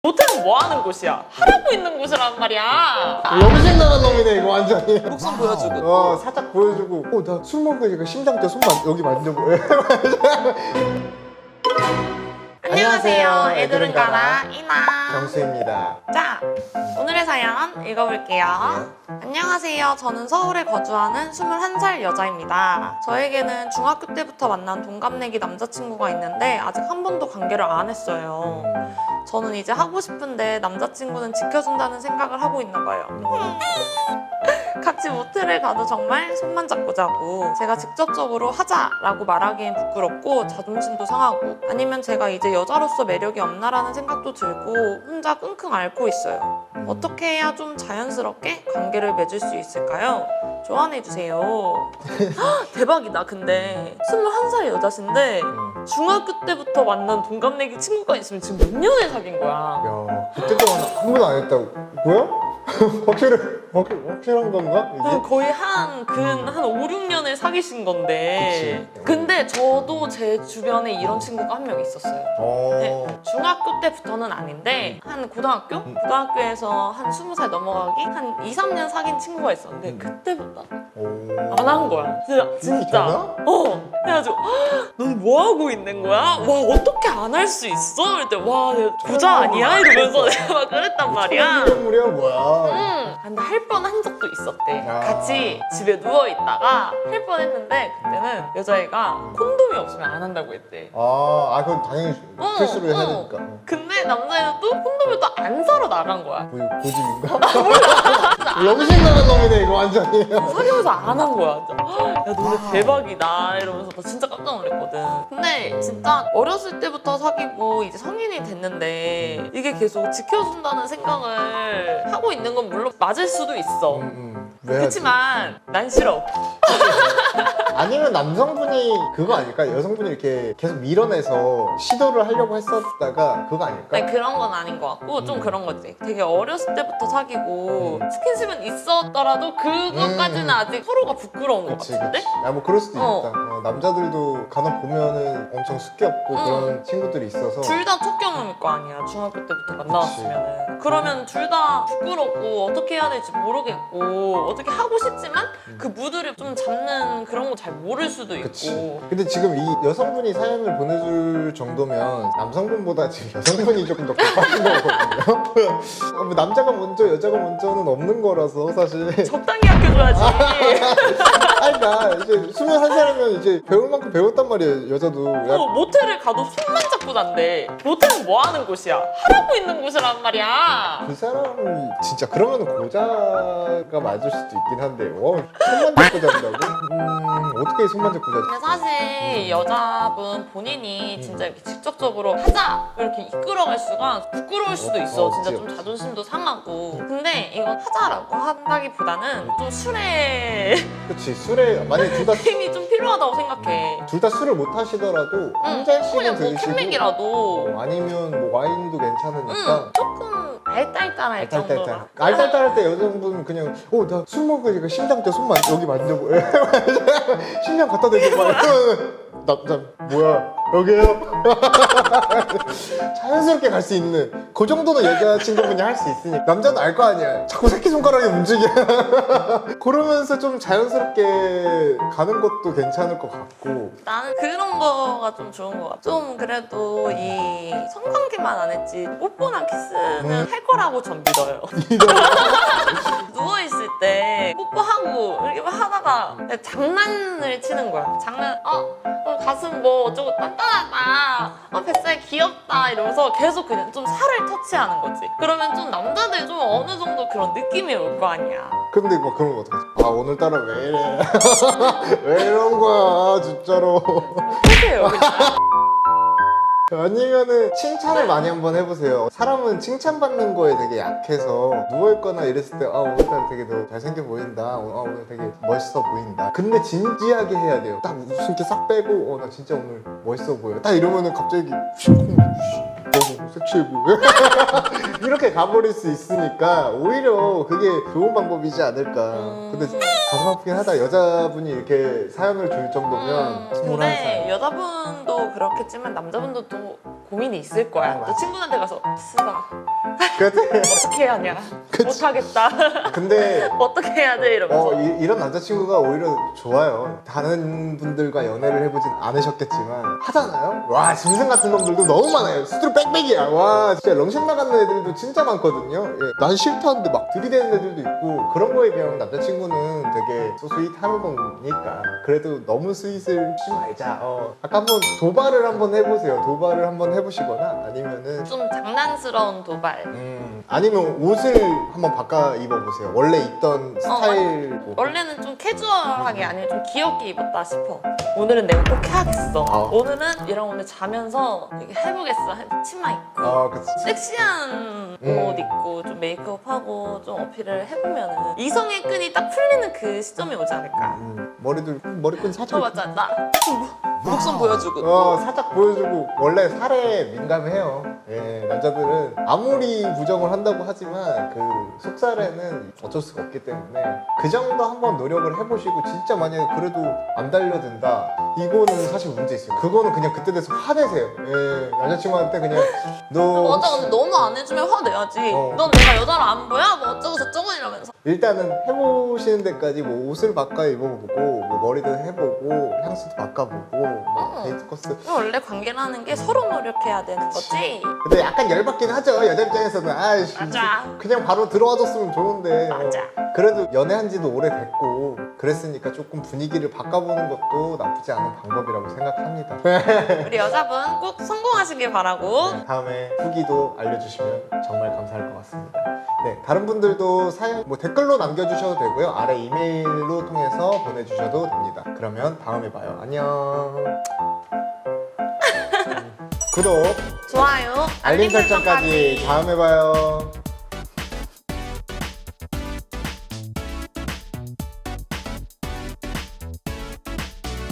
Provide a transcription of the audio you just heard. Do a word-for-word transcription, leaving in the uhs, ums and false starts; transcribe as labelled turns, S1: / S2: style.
S1: 모텔은 뭐 하는 곳이야? 하라고 있는 곳이란 말이야.
S2: 염색 나간 놈이네 이거 완전히.
S1: 목숨 보여주고.
S2: 어 살짝 보여주고. 어 나 술 먹으니까 심장 때 손만 여기 만져보.
S1: 안녕하세요. 애들은 가라 이나
S2: 정수입니다.
S1: 자, 오늘의 사연 읽어볼게요.
S2: 네.
S1: 안녕하세요. 저는 서울에 거주하는 스물한 살 여자입니다. 저에게는 중학교 때부터 만난 동갑내기 남자친구가 있는데 아직 한 번도 관계를 안 했어요.
S2: 음,
S1: 저는 이제 하고 싶은데 남자친구는 지켜준다는 생각을 하고 있나 봐요. 같이 모텔을 가도 정말 손만 잡고 자고 제가 직접적으로 하자라고 말하기엔 부끄럽고 자존심도 상하고 아니면 제가 이제 여자로서 매력이 없나라는 생각도 들고 혼자 끙끙 앓고 있어요. 어떻게 해야 좀 자연스럽게 관계를 맺을 수 있을까요? 조언해주세요. 대박이다. 근데 스물한 살 여자신데
S2: 음.
S1: 중학교 때부터 만난 동갑내기 친구가 있으면 지금 몇 년을 사귄 거야?
S2: 야 그때 동안 한 번도 안 했다고. 뭐야? 확실해? 확, 확실한 건가? 이게?
S1: 그 거의 한, 근, 한 오, 육 년을 사귀신 건데.
S2: 그치.
S1: 근데 저도 제 주변에 이런 친구가 한 명 있었어요.
S2: 어.
S1: 네, 중학교 때부터는 아닌데, 한 고등학교?
S2: 음.
S1: 고등학교에서 한 스무 살 넘어가기? 한 이, 삼 년 사귄 친구가 있었는데,
S2: 음.
S1: 그때부터
S2: 오.
S1: 안 한 거야. 진짜. 진짜. 어. 그래가지고, 넌 뭐 하고 있는 거야? 와, 어떻게 안 할 수 있어? 이럴 때, 와, 내가 부자 아니야? 이러면서 내가 막 그랬단 말이야.
S2: 천연기념물이야 뭐야?
S1: 응. 근데 할 뻔 한 적도 있었대.
S2: 아.
S1: 같이 집에 누워 있다가 할 뻔 했는데 그때는 여자애가 콘돔이 없으면 안 한다고 했대.
S2: 아, 아 그건 당연히
S1: 어,
S2: 필수로 해야
S1: 어.
S2: 되니까. 어.
S1: 근데 남자애는 또 콘돔을 또 안 사러 나간 거야.
S2: 뭐 이거 고집인가? 염색 나간 놈이네 이거 완전히.
S1: 사귀면서 안 한 거야. 진짜. 야 너네 대박이다 이러면서 나 진짜 깜짝 놀랐거든. 근데 진짜 어렸을 때부터 사귀고 이제 성인이 됐는데 이게 계속 지켜준다는 생각을 하고 있는 건 물론 맞을 수도 있어.
S2: 음, 음. 왜 하지?
S1: 그렇지만 난 싫어.
S2: 아니면 남성분이 그거 아닐까? 여성분이 이렇게 계속 밀어내서 시도를 하려고 했었다가 그거 아닐까?
S1: 아니 그런 건 아닌 것 같고 좀
S2: 음.
S1: 그런 거지. 되게 어렸을 때부터 사귀고
S2: 음.
S1: 스킨십은 있었더라도 그것까지는
S2: 음.
S1: 아직 서로가 부끄러운 것
S2: 그치,
S1: 같은데?
S2: 그치. 야, 뭐 그럴 수도
S1: 어.
S2: 있다. 어, 남자들도 간혹 보면은 엄청 숙기없고
S1: 응.
S2: 그런 친구들이 있어서.
S1: 둘 다 첫 경험일 거 아니야. 중학교 때부터 만나왔으면은. 그러면 둘 다 부끄럽고 어떻게 해야 될지 모르겠고 어떻게 하고 싶지만
S2: 음.
S1: 그 무드를 좀 잡는 그런 거 잘 모를 수도 있고.
S2: 그치. 근데 지금 이 여성분이 사연을 보내줄 정도면 남성분보다 지금 여성분이 조금 더 급하신 거거든요. 어, 뭐 남자가 먼저 여자가 먼저는 없는 거라서 사실.
S1: 적당히 아껴줘야지.
S2: 아니 나 이제 스물한 살이면 이제 배울 만큼 배웠단 말이에요 여자도. 야,
S1: 또 모텔을 가도 손만 잡고 잔대. 모텔은 뭐 하는 곳이야? 하라고 있는 곳이란 말이야.
S2: 그 사람이 진짜 그러면 고자가 맞을 수도 있긴 한데 어, 손만 잡고 잔다고? 음 어떻게 손만 잡고 자지?
S1: 근데 사실 여자분 본인이 진짜 이렇게 직접적으로 하자 이렇게 이끌어갈 수가 부끄러울 수도 있어.
S2: 어,
S1: 진짜
S2: 없지,
S1: 좀
S2: 없지.
S1: 자존심도 상하고. 근데 이건 하자라고 한다기보다는 좀 술에
S2: 그치 술에 만약에 둘 다
S1: 힘이 좀 필요하다고 생각해.
S2: 둘 다 술을 못 하시더라도 한
S1: 응,
S2: 잔씩은
S1: 그냥 뭐
S2: 드시고
S1: 캔맥이라도
S2: 어, 아니면 뭐 와인도 괜찮으니까
S1: 응, 조금 알딸딸할 정도로.
S2: 알딸딸 알딸딸할 때 여성분은 그냥 어 나 술 먹으니까 심장 때 손만 여기 만져보 심장 갖다 대고 막 이러면 남자 뭐야 여기에요? 자연스럽게 갈 수 있는 그 정도는 여자친구분이 할 수 있으니까 남자는 알 거 아니야 자꾸 새끼손가락이 움직여 그러면서 좀 자연스럽게 가는 것도 괜찮을 것 같고
S1: 나는 그런 거가 좀 좋은 것 같아. 좀 그래도 이 성관계만 안 했지 뽀뽀나 키스는
S2: 음.
S1: 할 거라고 전 믿어요. 누워있을 때 뽀뽀하고 이렇게 막 하다가 그냥 장난을 치는 거야. 장난, 어? 어, 가슴 뭐 어쩌고 단단하다. 어, 뱃살 귀엽다. 이러면서 계속 그냥 좀 살을 터치하는 거지. 그러면 좀 남자들 좀 어느 정도 그런 느낌이 올 거 아니야.
S2: 근데 막 그런 거 어떡하지? 아 오늘따라 왜 이래 왜 이런 거야 진짜로
S1: 해세요, 그냥.
S2: 아니면은 칭찬을 많이 한번 해보세요. 사람은 칭찬받는 거에 되게 약해서 누워있거나 이랬을 때 아 오늘따라 되게 너 잘생겨 보인다. 아 오늘 되게 멋있어 보인다. 근데 진지하게 해야 돼요. 딱 웃음기 싹 빼고 어 나 진짜 오늘 멋있어 보여. 딱 이러면은 갑자기 휘콩 너무 섹시해 보여. 이렇게 가버릴 수 있으니까 오히려 그게 좋은 방법이지 않을까.
S1: 음.
S2: 근데 가슴 아프긴 하다. 여자분이 이렇게 사연을 줄 정도면
S1: 음,
S2: 스물한 살.
S1: 근데 여자분도 그렇겠지만 남자분도 또 고민이 있을 거야.
S2: 어,
S1: 또
S2: 맞아.
S1: 친구한테 가서 쓰다
S2: 그때
S1: 어떻게 해야 하냐?
S2: 그치.
S1: 못하겠다.
S2: 근데
S1: 어떻게 해야 돼? 이러면서.
S2: 어, 이, 이런 남자친구가 오히려 좋아요. 다른 분들과 연애를 해보진 않으셨겠지만 하잖아요? 와 짐승 같은 놈들도 너무 많아요. 수두룩 빽빽이야. 와 진짜 렁신 나가는 애들도 진짜 많거든요. 예, 난 싫다는데 막 들이대는 애들도 있고 그런 거에 비하면 남자친구는 되게 소스윗한 거니까 그래도 너무 스윗을 하지 말자. 어, 아까 한번 도발을 한번 해보세요. 도발을 한번 해보시거나 아니면은
S1: 좀 장난스러운 도발.
S2: 음, 아니면 옷을 한번 바꿔 입어보세요. 원래 입던 스타일 뭐.
S1: 원래는 좀 캐주얼하게 아니면 좀 귀엽게 입었다 싶어. 오늘은 내가 꼭 해야겠어.
S2: 어.
S1: 오늘은 얘랑 오늘 자면서 이렇게 해보겠어. 해서 치마 입고
S2: 아 그치.
S1: 섹시한
S2: 음.
S1: 옷 입고 좀 메이크업하고 좀 어필을 해보면은 이성의 끈이 딱 풀리는 그 시점이 오지 않을까.
S2: 음, 머리도 머리끈 살짝
S1: 어 맞아. 나 목선 보여주고.
S2: 어 살짝 보여주고 원래 살에 민감해요. 예, 남자들은 아무리 부정을 한다고 하지만 그 속살에는 어쩔 수가 없기 때문에 그 정도 한번 노력을 해보시고 진짜 만약에 그래도 안 달려든다 이거는 사실 문제 있어요. 그거는 그냥 그때 돼서 화내세요. 예, 남자친구한테 그냥 너
S1: 맞아. 근데 너무 안 해주면 화내야지.
S2: 어.
S1: 넌 내가 여자를 안 보여? 뭐 어쩌고 저쩌고 이러면서.
S2: 일단은 해보시는 데까지 뭐 옷을 바꿔 입어보고 뭐 머리도 해보고 향수도 바꿔보고 뭐
S1: 어.
S2: 데이트 코스
S1: 원래 관계라는 게 서로 노력해야 되는 거지.
S2: 근데 약간 열받긴 하죠 여자 입장에서는 아이씨
S1: 맞아.
S2: 그냥 바로 들어와줬으면 좋은데
S1: 맞아.
S2: 어, 그래도 연애한 지도 오래됐고 그랬으니까 조금 분위기를 바꿔보는 것도 나쁘지 않은 방법이라고 생각합니다.
S1: 우리 여자분 꼭 성공하시길 바라고.
S2: 다음에 후기도 알려주시면 정말 감사할 것 같습니다. 네, 다른 분들도 사연 뭐 댓글로 남겨주셔도 되고요. 아래 이메일로 통해서 보내주셔도 됩니다. 그러면 다음에 봐요. 안녕. 구독,
S1: 좋아요.
S2: 알림 설정까지 다음에 봐요.